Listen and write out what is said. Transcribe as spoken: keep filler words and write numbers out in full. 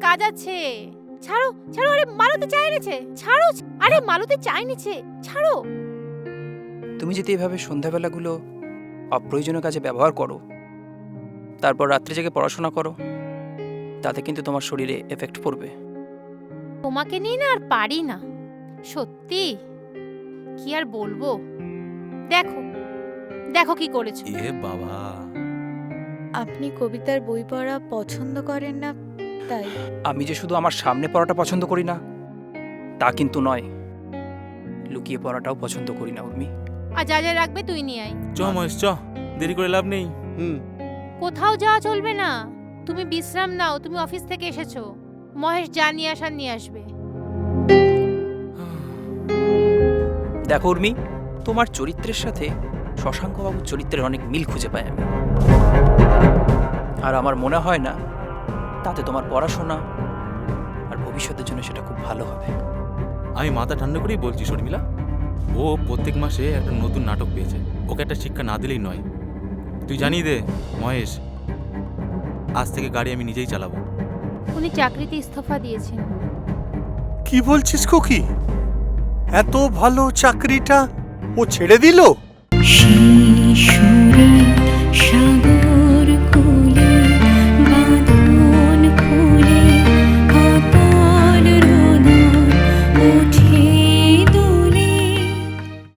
কাজ আছে। ছাড়ো ছাড়ো, আরে মালতী চা এনেছে, ছাড়ো। আরে মালতী চা এনেছে, ছাড়ো। তুমি যদি এভাবে সন্ধ্যাবেলাগুলো অপ্রয়োজনীয় কাজে ব্যবহার করো, তারপর রাত্রে জেগে পড়াশোনা করো, তাতে কিন্তু তোমার শরীরে এফেক্ট পড়বে। তোমাকে নিয়ে না আর পারি না, সত্যি। কি আর বলবো, দেখো দেখো কি করেছো। এ বাবা, আপনি কবিতার বই পড়া পছন্দ করেন না তাই? আমি যে শুধু আমার সামনে পড়াটা পছন্দ করি না তা কিন্তু নয়, লুকিয়ে পড়াটাও পছন্দ করি না উর্মি। আর যা যা রাখবে তুই নিয়ে আয়। চ মহেশ চ, দেরি করে লাভ নেই। হুম। কোথাও যাওয়া চলবে না, তুমি বিশ্রাম নাও, তুমি অফিস থেকে এসেছো। মহেশ যা নিয়ে আসার নিয়ে আসবে। দেখো উর্মি, তোমার চরিত্রের সাথে শশাঙ্কবাবুর চরিত্রের অনেক মিল খুঁজে পাই আমি। আর আমার মনে হয় না তাতে তোমার পড়াশোনা আর ভবিষ্যতের জন্য সেটা খুব ভালো হবে। আমি মাথা ঠান্ডা করেই বলছি শর্মিলা, ও প্রত্যেক মাসে একটা নতুন নাটক পেয়েছে, ওকে একটা শিক্ষা না দিলেই নয়। তুই জানিয়ে দে মহেশ, আজ থেকে গাড়ি আমি নিজেই চালাবো। উনি চাকরিতে ইস্তফা দিয়েছেন। কি বলছিস খুকি? এত ভালো চাকরিটা ও ছেড়ে দিল?